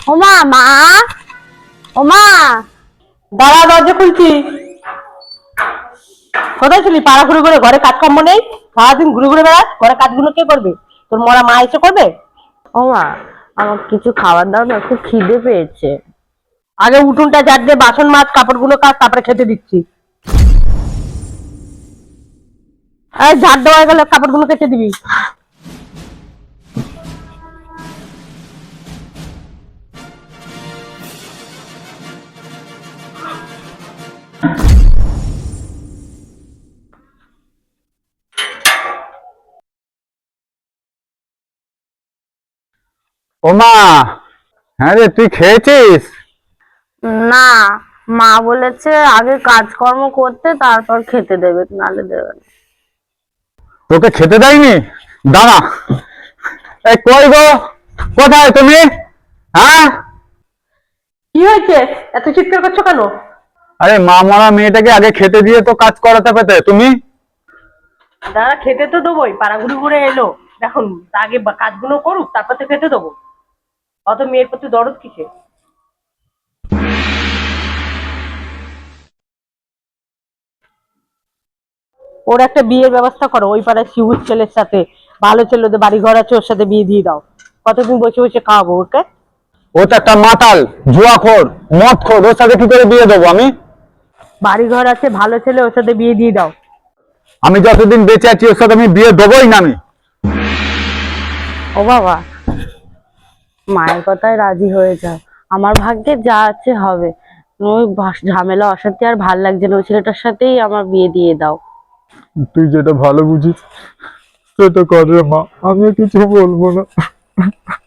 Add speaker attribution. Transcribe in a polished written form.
Speaker 1: ওমা মা, ওমা
Speaker 2: দাঁড়া, দরজা খুলছি। কোথায় ছিলি? পাড়া ঘুরে ঘুরে, ঘরে কাজকর্ম নেই? সারাদিন ঘুরে ঘুরে বেড়াস, ঘরে কাজগুলো কে করবে? তোর মরা মা এসে করবে?
Speaker 1: ওমা আমার কিছু খাবার দাও না, খুব খিদে পেয়েছে।
Speaker 2: আগে উঠোনটা ঝাড় দিয়ে বাসন মাছ, কাপড়গুলো কাচ, তারপরে খেতে দিচ্ছি। এই ঝাড় দেওয়া গেলে কাপড়গুলো কেচে দিবি।
Speaker 3: ওমা, হ্যাঁ রে, তুই খেয়েছিস?
Speaker 1: না, মা বলেছে আগে কাজকর্ম করতে তারপর খেতে দেবে, নালে দেবে না।
Speaker 3: তোকে খেতে দেয়নি? দাঁড়া, এই কই গো, কোথায় তুমি? হ্যাঁ,
Speaker 2: কি হয়েছে? এত চিৎকার করছো কেন?
Speaker 3: আরে মা মরা মেয়েটাকে আগে খেতে দিয়ে তো কাজ করাতে পেতে তুমি।
Speaker 2: দাদা খেতে তো দেবোই, পাড়া ঘুরে ঘুরে এলো, দেখুন আগে কাজগুলো করুক, তারপর তো খেতে দেবো। অত মেয়ের প্রতি দরদ কিসে? ওর একটা বিয়ের ব্যবস্থা করো, ওই পাড়ায় শিবুর ছেলের সাথে, ভালো ছেলে, ওদের বাড়ি ঘর আছে, ওর সাথে বিয়ে দিয়ে দাও। কতদিন বসে বসে খাওয়াবো ওকে?
Speaker 3: ও তো একটা মাতাল, জুয়াখোর, মদখোর, ওর সাথে কি করে বিয়ে দেবো আমি?
Speaker 2: বাড়ি ঘর আছে, ভালো ছেলে, ওর সাথে বিয়ে দিয়ে দাও।
Speaker 3: আমি যতদিন বেঁচে আছি ওর সাথে আমি বিয়ে দেবোই না আমি।
Speaker 1: ও বাবা, মায়ের কথায় রাজি হয়ে যাও, আমার ভাগ্যে যা আছে হবে। ওই ঝামেলা অশান্তি আর ভাল লাগছে না, ওই ছেলেটার সাথেই আমার বিয়ে দিয়ে দাও।
Speaker 3: তুই যেটা ভালো বুঝিস সেটা কর রে মা, আমি কিছু বলবো না।